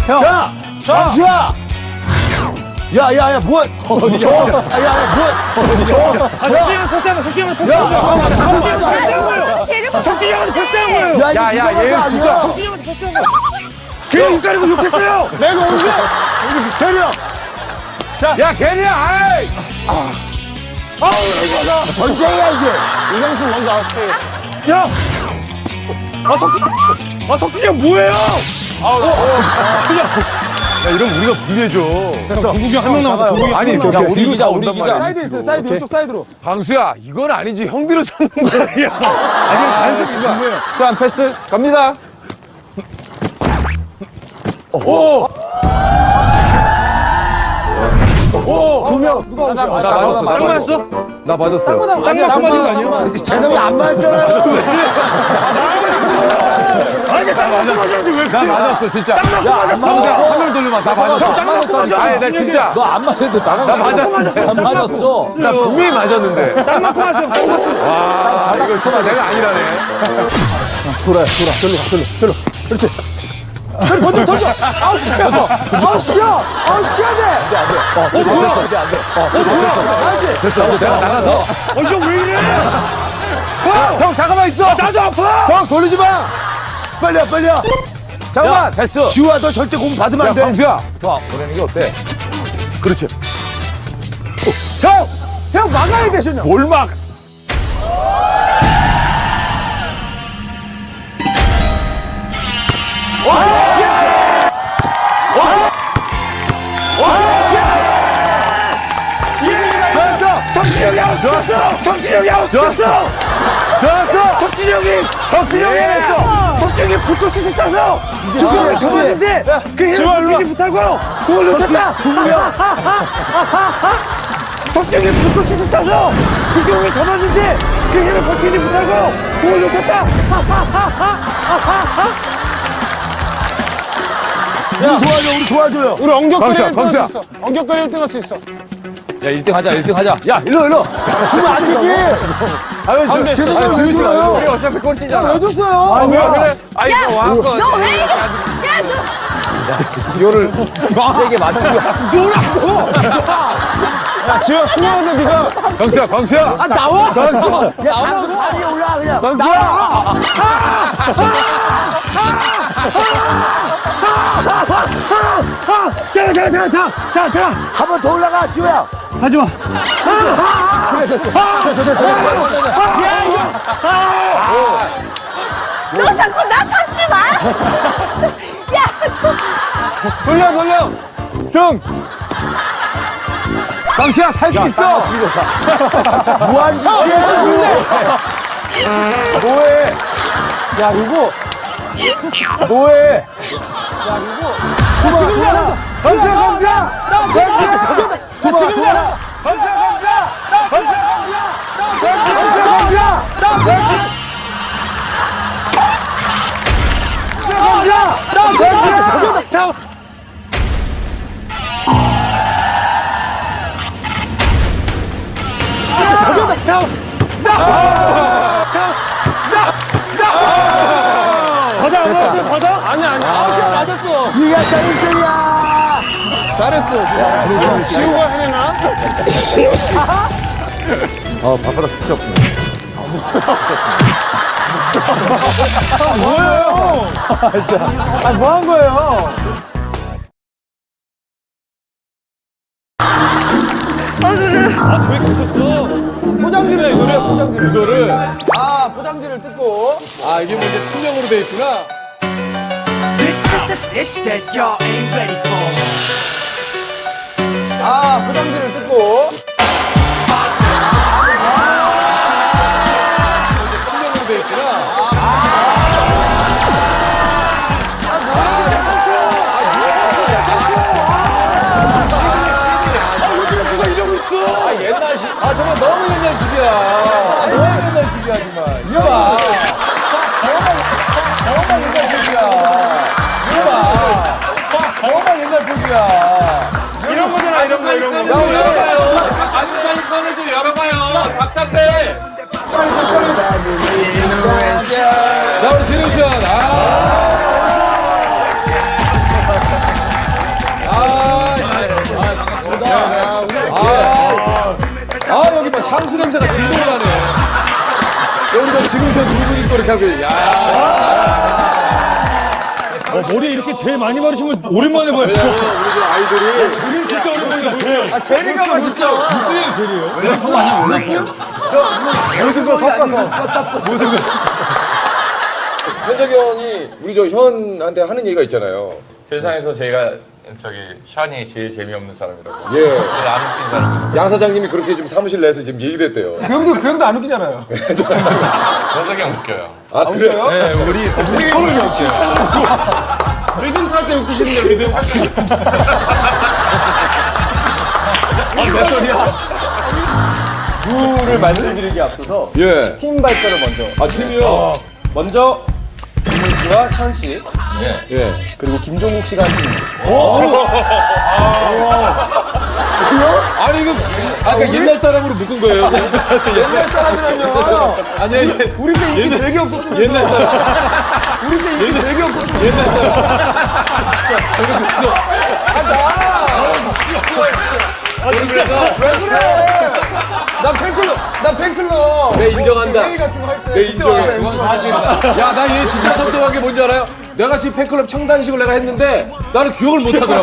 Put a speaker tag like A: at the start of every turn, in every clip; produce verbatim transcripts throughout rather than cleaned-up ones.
A: 형.
B: 자,
A: 강수야.
B: 야, 야, 야, 뭐야? 어, 저, 야, 야, 야, 뭐야? 어, 저,
C: 석진이 형한테 패스한 거야, 석진이 형한테 패스한 거야. 석진이 형한테 패스한 거예요. 석진이 형한테 패스한 거예요.
B: 야, 야, 야, 얘 진짜.
C: 석진이 형한테 패스한 거야. 걔 입 가리고 욕했어요.
B: 내가 언제? 대리야.
A: 야, 걔냐, 아이!
B: 아우, 이거 언제 해야지?
A: 이경수 먼저 아웃시켜야겠어.
C: 야! 아, 석진, 아, 석진이 형 뭐예요?
B: 야, 이러면 우리가 불리해져.
C: 종국이 형 한 명 남았다, 종국이 형.
A: 아니,
C: 한 명
A: 야,
C: 남았다.
A: 우리 기자, 우리 기자.
B: 사이드 있어, 사이드, 이쪽 사이드로.
A: 방수야, 이건 아니지. 형들을 쳤는 거야.
C: 아니, 자연스럽게 준 거예요.
A: 수한 패스 갑니다.
B: 오! 오! 두 명. 누가
A: 나
B: 오세요?
A: 맞았어.
C: 딱 맞았어?
A: 나 맞았어.
C: 딱 맞은 거 아니야?
B: 재성이 안 맞았잖아요.
C: 아니, 딱 맞은 거 맞았는데 왜
A: 나
C: 그래?
A: 맞았어, 진짜. 야,
C: 맞았어.
A: 방수야, 화면 돌려봐. 나 맞았어.
C: 딱 맞고 맞았어.
A: 아니, 나 진짜.
D: 너 안 맞았는데 나가고
A: 나 맞았어.
D: 안 맞았어.
A: 나 분명히 맞았는데.
C: 딱 맞고 맞았어. 딱 맞고.
A: 와, 이거 진짜 내가 아니라네.
B: 돌아, 돌아. 절로 가, 절로, 절로. 그렇지. 그래, 던져, 던져. 아웃 시켜. 아웃 시켜. 아웃 시켜야 돼.
C: 어, 뭐야?
B: 어, 뭐야?
A: 됐어, 이제 내가 나가서.
C: 어, 이거 왜 이래?
A: 형, 잠깐만 있어.
C: 나도 아파!
A: 형, 돌리지 마.
B: 빨리야, 빨리야.
A: 잠깐만. 됐어.
B: 지우야, 너 절대 공 받으면
A: 야,
B: 안 돼.
A: 방수야. 더 보내는 게 어때?
B: 그렇지.
A: 형! 형 막아야 돼, 신영. 뭘 막?
C: 석진이 형이 아웃 시켰어! 석진이 형이 아웃 시켰어!
A: 좋았어!
C: 석진이 형이!
A: 석진이 형이 했어!
C: 석진이 형이 불꽃슛을 쏴서 주공을 접었는데 그 힘을 버티지 못하고 공을 놓쳤다! 석진이 형이 불꽃슛을 쏴서 주공을 접었는데 그 힘을 버티지 못하고 공을 놓쳤다!
B: 우리 도와줘, 우리 도와줘요.
D: 우리 엉격거리
A: 방수야,
D: 일 등 할 수
A: 방수야.
D: 있어. 엉격거리 일 등 할 수 있어.
A: 야, 일 등 하자, 일 등 하자. 야, 일로, 일로.
B: 주면 안 되지.
A: 아유,
D: 안 돼.
A: 저,
B: 제대로
A: 아유,
B: 왜
A: 주지
B: 줘요?
A: 말고. 우리 어차피 꼴찌잖아.
B: 왜 줬어요?
A: 아, 왜 그래? 아이,
E: 야,
A: 너 와갖고.
E: 너 왜 이래? 야, 너.
A: 지효를 세게 맞추고.
D: 야, 지효 수명한데 네가
A: 광수야, 광수야.
B: 아, 나와.
A: 광수.
B: 야, 강수 다리 위에 올라가, 그냥.
A: 광수야.
C: 자, 자, 자, 자, 자, 자,
B: 한 번 더 올라가, 지우야.
C: 하지 마.
B: 그래, 됐어. 됐어, 됐어.
E: 너 자꾸 나 잡지 마. 야, 너.
A: 돌려, 돌려. 등. 광수야, 살 수 있어.
B: 무한 짓이야.
A: 뭐해?
B: 야, 이거.
A: 뭐해?
B: 지금이야.
A: 광수야, 광수야.
B: 지금이야. 지금이야.
A: 광수야, 광수야. 광수야, 광수야. 광수야.
C: 자, 자, 자, 받아, 안 받았어요? 받아?
D: 아니 아니 아웃이야 맞았어.
B: 이야, 자, 일 등이야.
D: 잘했어. 지효가 해내나?
A: 아, 발바닥 진짜 아프네.
B: 아, 뭐 한 거예요?
E: 어, 그래.
C: 왜 계셨어?
B: 포장지를 이거를 포장지를.
A: 이거를.
B: 아, 포장지를 뜯고.
A: 아, 이게 뭐 이제 투명으로 돼 있구나.
F: This is the stitch that y'all ain't ready for.
B: 아, 포장지를 뜯고.
A: 투명으로 돼 있구나. 아, 옛날식. 아, 정말 너무 옛날식이야. 아, 너무 옛날식이야, 정말. 이거 봐. 정말 옛날식이야. 이거 봐. 정말 옛날 포즈야.
C: 이런 거잖아, 이런 거, 이런 거.
A: 자, 우리 열어봐요. 안주사님 꺼내 좀 열어봐요. 답답해. 자, 우리 진우 씨. 아. 지금 저 두 분이 또 이렇게 하고, 야.
D: 어, 머리 이렇게 제일 많이 바르신 분 오랜만에 봐요.
A: 우리 저 아이들이.
D: 제일 진짜 오랜만이다.
B: 아, 제리가 맛있어.
A: 무슨 소리예요?
B: 모든 거 섞어서.
A: 현석이 형이 우리 저 현한테 하는 얘기가 있잖아요.
G: 세상에서 제가 저기 샤니 제일 재미없는 사람이라고.
A: 예.
G: 제일 안 웃긴 사람.
A: 양 사장님이 그렇게 지금 사무실 내에서 지금 얘기를 했대요.
B: 그 형도, 그 형도 안 웃기잖아요.
G: 현석이 형 웃겨요.
A: 아, 그래요?
G: 네, 우리
A: 서울 웃겨요.
D: 리듬 탈 때 웃기시는데 리듬.
A: 아, 몇 돈이야?
C: 룰을 말씀드리기 앞서서
A: 예.
C: 팀 발표를 먼저.
A: 아, 팀이요?
C: 먼저 김훈 씨와 천 씨,
A: 예.
C: 그리고 김종국 씨가 한 팀.
A: 아니, 이거 아까 옛날 사람으로 묶은 거예요.
B: 옛날 사람이라뇨.
A: 아니, 아니.
B: 우리 때 인기 되게 없었으면서.
A: 옛날 사람.
B: 우리 때 인기 되게 없었으면서.
A: 옛날 사람.
B: 왜 그래? 난 팬클럽, 난 팬클럽.
A: 내 인정한다.
B: 회의 같은 거 할 때.
A: 내 인정해. 그건 사실이다. 야, 나 얘 진짜 섭섭한 게 뭔지 알아요? 내가 지금 팬클럽 창단식을 내가 했는데 나는 기억을 못 하더라고.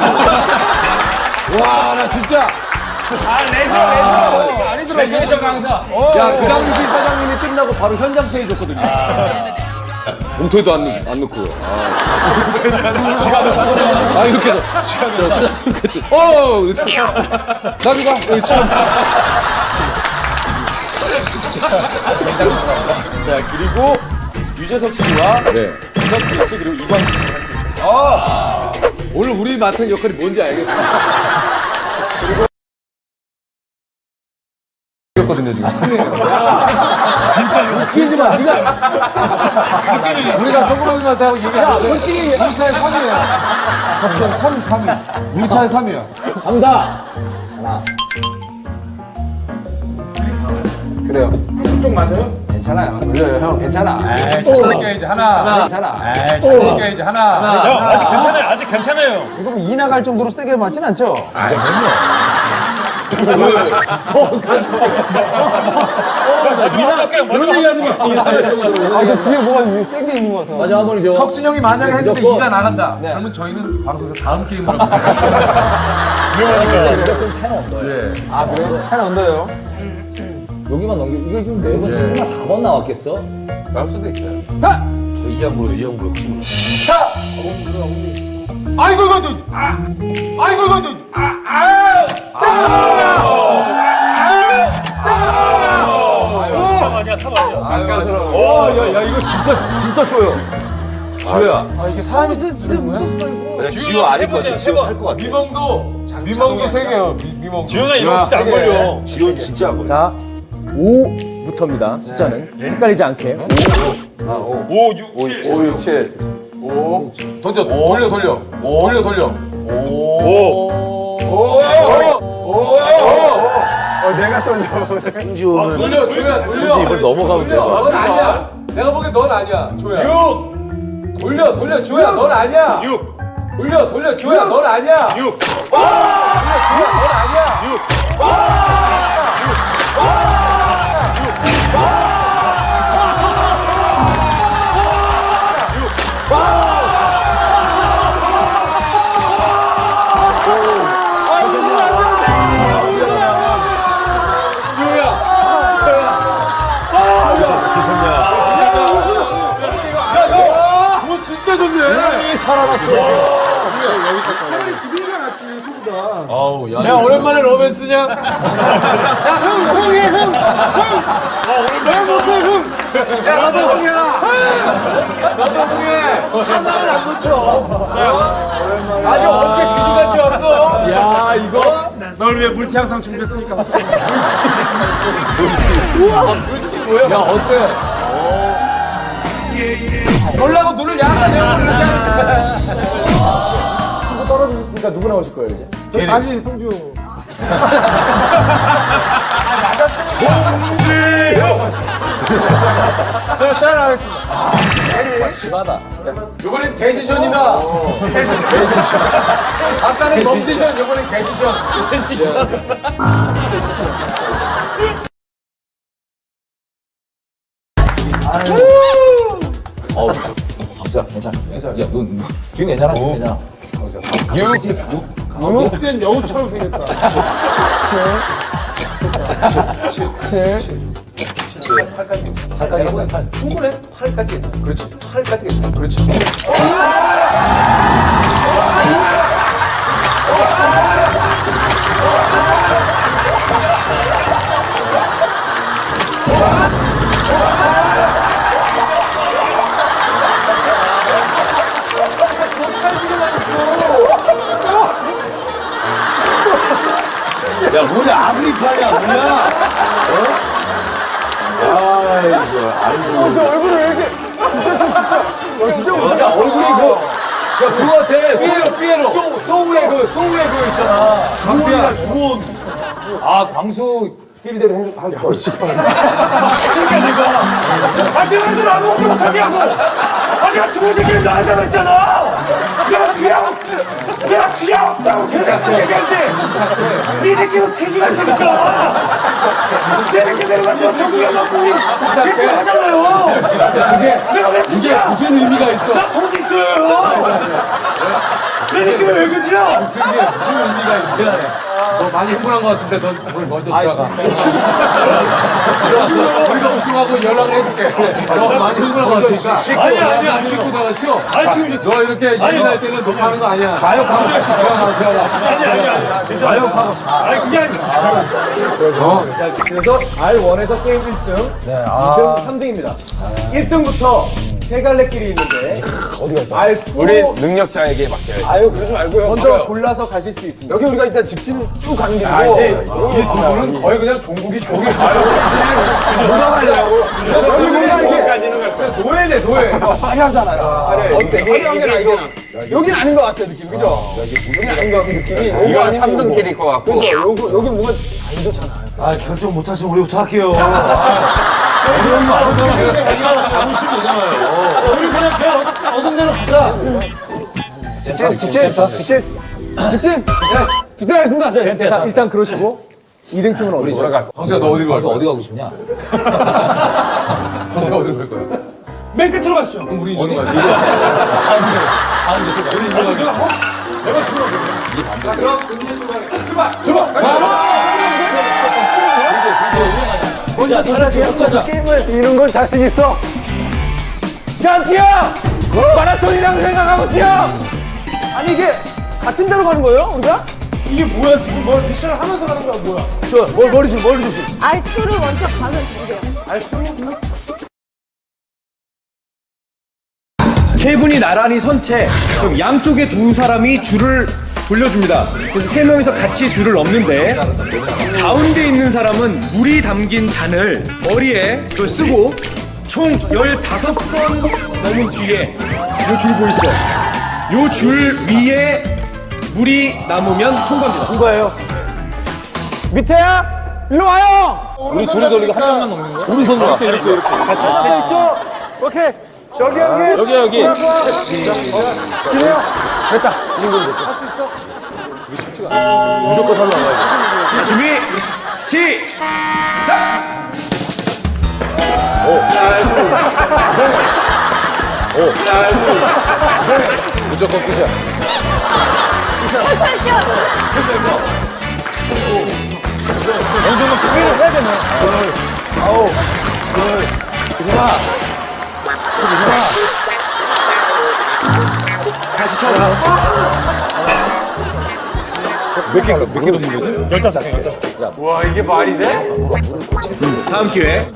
A: 와, 나 진짜.
D: 아 레저
B: 아니더라고.
D: 레저 강사.
A: 야, 그 당시 사장님이 끝나고 바로 현장 페이 줬거든요. 봉투에도 안, 넣, 안 넣고. 아, 아 이렇게 해서. 저 사장님 그때. 어! 나비 가. 여기 참.
C: 자, 그리고 유재석 씨와
A: 네.
C: 유석진 씨 그리고 이광수 씨.
A: 아, 오늘 우리 맡은 역할이 뭔지 알겠어. 거든요 지금. 진짜 웃기지 마. 네가 우리가 속으로만 하고 얘기하는데 우리 차에 삼 위야. 접전 삼, 삼 위. 우리 차에 삼 위야. 간다. 하나. 그래요.
D: 쪽 맞아요?
B: 괜찮아요. 올려요, 형. 괜찮아.
A: 에이, 자신 껴야지 하나.
B: 괜찮아.
A: 에이, 자신 껴야지 하나.
D: 형 아직 괜찮아요. 아직 괜찮아요.
B: 이거 뭐 이 나갈 정도로 세게 맞진 않죠?
A: 아이, 맨날.
D: 그런 얘기 하지 마.
B: 아, 저 뒤에 뭐가 세게 있는 것 같아.
A: 맞아, 한번 석진 형이 만약에 했는데 이가 나간다. 그러면 저희는 방송에서 다음 게임을 하고
B: 아, 그래요? 한 언더예요?
H: 여기만 넘기 이게 지금 네 번, 설마 사 번 나왔겠어?
A: 나올 수도 있어요.
D: 아이고 이거 너. 아, 아이고 이거 너. 아, 아. 아. 아니야 사ब 아니야.
A: 와, 야, 야, 이거 진짜 진짜 쪼여. 쪼야.
B: 아, 이게 사람이 되는 거야?
A: 지호 아닐 것 같아. 지호 살것 같아. 미멍도 미멍도 세 개요. 미, 미멍.
D: 지훈아 이런 거 진짜 안 걸려.
C: 자, 오부터입니다. 숫자는 헷갈리지 않게.
D: 오, 육, 칠.
A: 오, 육, 칠. 오. 던져. 돌려, 돌려. 돌려, 돌려. 오. 오. 오. 오.
B: 어, 내가 떨려.
A: 아, 돌려, 조야, 돌려. 이걸 넘어가면 돼. 넌 아니야. 내가 보기엔 넌 아니야, 조야.
D: 육.
A: 돌려, 돌려, 조야, 넌 아니야.
D: 육.
A: 돌려, 돌려, 조야, 넌 아니야.
D: 육.
A: 돌려, 조야, 넌 아니야. 육. 진짜 좋네.
H: 살아났어.
B: 차라리 지비가 낫지, 그보다.
A: 아우, 야. 야, 오랜만에 로맨스냐?
B: 자, 형, 형이, 형. 형. 왜 못해, 형?
A: 야, 너도 홍해라. 너도 홍해.
B: 하나를 안 놓쳐.
A: 아니, 어깨 귀신같이 왔어. 야, 이거.
D: 널 위해 물티 항상 준비했으니까.
A: 물티 뭐야? 야, 어때? 놀라고 눈을 약간 내고 이렇게 하는데.
C: 한번 떨어지셨으니까 누구 나오실 거예요, 이제?
B: 저희 다시 성주. 저, 잘 하겠습니다.
H: 심하다.
A: 이번엔 개지션이다. 개지션. 아까는 멈디션, 이번엔 개지션.
H: 어, 강수야, 괜찮아. 야, 너, 너 지금 괜찮아? 지금 괜찮아.
D: 그땐 여우처럼 생겼다.
H: 팔까지 괜찮아. 충분해? 팔까지 괜찮아. 그렇지. 팔까지 괜찮아. 그렇지.
C: 야, 뭐냐, 아프리카냐, 뭐야? 어? 아이고, 아이고.
B: 저 얼굴을 왜 이렇게. 진짜, 진짜.
H: 야, 얼굴이 그, 야, 그거 같아. 삐에로, 삐에로. 소, 소우의 그, 소우의 그 있잖아.
C: 주원이다, 주원.
H: 아, 광수 필대로 해, 할 걸.
C: 아, 내가 늘 아무것도 못하게 하고! 아, 내가 죽은 새끼를 나한테 그랬잖아! 내가 귀여워! 내가 귀여웠다고 계속 얘기했는데! 니 새끼는 귀신같이 생겼다! 내 새끼 내려가서 전국에 맞고 우리 이렇게 하잖아요!
A: 그게
C: 내가 왜
A: 이게
C: 그지야?
A: 무슨 의미가 있어?
C: 나 돈 있어요! 내 새끼는 왜 그지야?
A: 무슨 게 무슨 의미가 있어? 너 많이 흥분한 것 같은데 넌 오늘 먼저 들어가. 들어갔어. 우리가 우승하고 연락을 해줄게. 너 많이 흥분한 것 같으니까.
C: 아니, 아니, 아니.
A: 씻고 들어가 쉬어.
C: 아니, 지금
A: 너 이렇게 예민할 때는 높아하는 거 아니야. 좌욕하고 들어가 들어가.
C: 아니, 아니, 아니. 좌욕하고 아니, 그게 아니라.
B: 그래서 알 원에서 게임 일 등, 이 등, 삼 등입니다. 일 등부터 세 갈래길이 있는데 어디가 알
G: 우리 능력자에게 맡겨야지.
B: 아유 그러지 말고요. 먼저 골라서 가실 수 있습니다. 여기 우리가 일단 직진 쭉 가는 길이고
A: 아, 이제 이 두 분은 거의 그냥 종국이 종이 가요. 뭐가 가려고? 노예네 노예.
B: 화려하잖아요. 어때? 화려한 게 아니고 여긴 아닌 것 같아 느낌, 그죠? 여긴 아닌 것 같은 느낌이.
G: 이건 삼 등 길일 것 같고.
B: 그죠? 요거 여기 뭔가 안 좋잖아요.
C: 아, 결정 못하시면 우리부터 할게요. 어려운 거 아무거나 내가 생각을 잡으시면 되잖아요.
B: 우리 그냥 제가 얻은 대로 가자. 직진, 직진, 직진, 직진. 네, 직진하겠습니다. 네. 자, 일단 그러시고 이 등 팀은 어디죠?
H: 돌아갈 거야.
A: 광수야 너 어디로 갈
H: 광수
A: 거야?
H: 어디 가고 싶냐?
A: 광수야 어디로 갈 거야?
C: 맨 끝으로 가시죠.
A: 그럼 우리 어디 가야
B: 야, 차라리 게임을 이런 건 자신 있어. 야, 뛰어! 마라톤이라고 생각하고 뛰어! 아니, 이게 같은 데로 가는 거예요, 우리가?
C: 이게 뭐야, 지금 뭘 미션을 하면서 가는 거야, 뭐야?
B: 좋아, 머, 머리 좀, 머리 조심.
E: 알투를 먼저 가면 되세요.
I: 세 분이 나란히 선 채 그럼 양쪽에 두 사람이 줄을 돌려줍니다. 그래서 세 명이서 같이 줄을 넘는데 가운데 있는 사람은 물이 담긴 잔을 머리에 그걸 쓰고 총 열다섯 번 넘은 뒤에 요 줄 보이시죠? 요 줄 위에 물이 남으면 통과입니다.
B: 누가예요? 밑에야? 일로 와요!
H: 우리 둘이 돌리고 한 명만 넘는 거야?
B: 오른손으로 이렇게, 이렇게, 이렇게. 같이. 아, 이쪽. 오케이. 저기, 여기.
H: 여기, 여기.
B: 기래요. 됐다. 이 정도면 됐어. 할 수 있어? 우리 쉽지가 않아. 무조건 살로 나가야지.
I: 자, 준비 시작!
H: 무조건 끝이야.
E: 살살 뛰어.
B: 연속은 크기를 해야 되네. 아우. 둘. 누나. 누나.
I: 다시 처음
H: 몇 개, 몇개 넘는 거지?
C: 열다섯 개, 열다섯 개. 와, 이게 말이 돼?
I: 다음 기회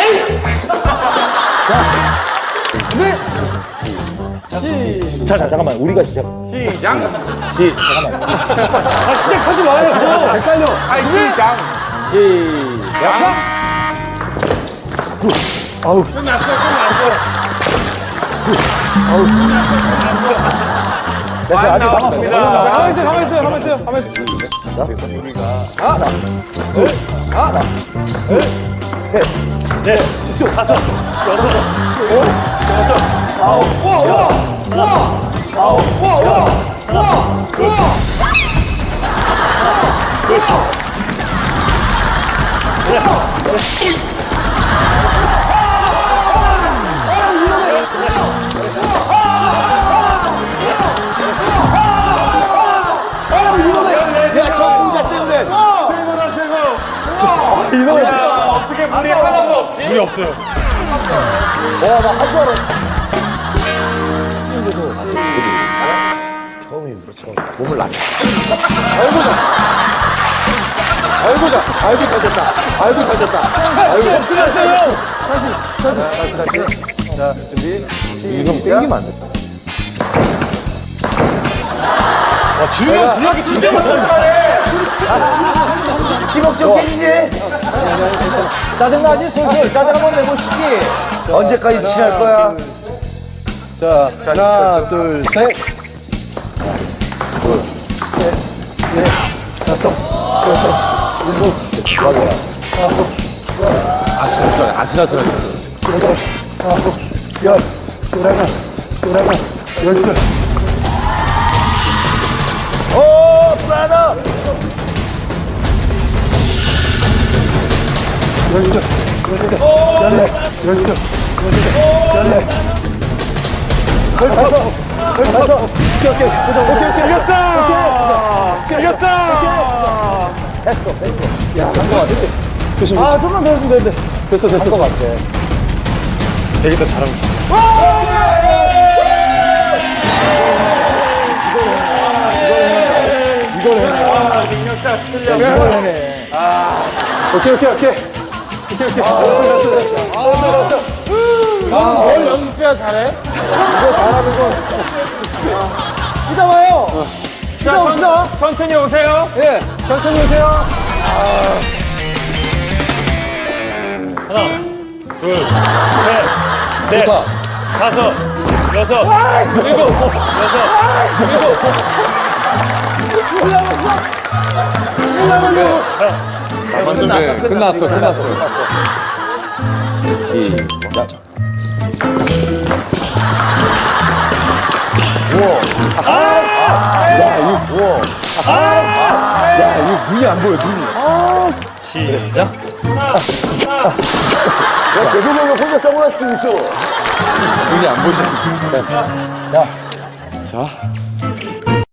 B: 자, 자, 잠깐만. 우리가 시작.
C: 시작.
B: 시, 잠깐만. 아, 시작하지 마요. 헷갈려.
C: 아, 시작.
B: 시작. 아우.
C: 끝났어, 끝났어.
B: 됐어, 아직
C: 나왔습니다.
B: 가만히 있어요, 가만히 있어요, 가만히 있어요, 가만히 있어요. 우리가. 하나, 둘, 하나, 둘, 셋,
C: 네, 다섯, 여섯,
B: 오, 여덟, 아홉, 우와, 우와, 우와, 아홉, 우와, 우와, 우와, 우와. 이거
H: 어떻게 물이 하나도 없지?
D: 물이 없어요.
A: 아이고 잘 아이고 잘 됐다 아이고 잘 됐다 아이고 끝났어요 다시 다시 다시 다시 자 준비 형 땡기면 안 돼.
D: 와, 지웅이 형 분량이 진짜 많다.
B: 기복 좀 땡기지. 짜증나지? 슬슬 짜증 한번 내보시지. 언제까지 취할 거야?
A: 자 하나 둘셋 아슬아슬하게 아슬아슬하게
B: 열, 열하나, 열하나, 열둘. 오, 불안하. 열둘, 열둘, 열넷, 열둘, 열넷, 열다섯, 열다섯. 오케이, 오케이, 오케이, 오케이, 이겼다. 이겼다. 됐어, 됐어. 야, 한거 같아. 아, 좀만 더 했으면 되는데. 됐어, 됐어. 한거 같아.
D: 되게 더 잘하고 있어.
B: 이걸 해내. 아, 능력자 틀려. 이걸 해내. 아. 오케이, 오케이, 오케이. 오케이, 오케이. 잘했어, 잘했어. 아, 뭘 연습해야 잘해? 이거 잘하는 건. 이따 봐요. 이따 옵시다.
H: 천천히 오세요.
B: 예, 천천히 오세요.
D: 둘, 셋, 넷, 다섯, 여섯, 일곱, 여섯,
A: 네, 끝났어 끝났어 시작 야 이거 우와 야 이거 눈이 안 보여 눈이
D: 시작.
B: 야, 재석이 형이 혼자 선글라스 끼고 있어.
A: 눈이 안 보이잖아 자, 자, 자.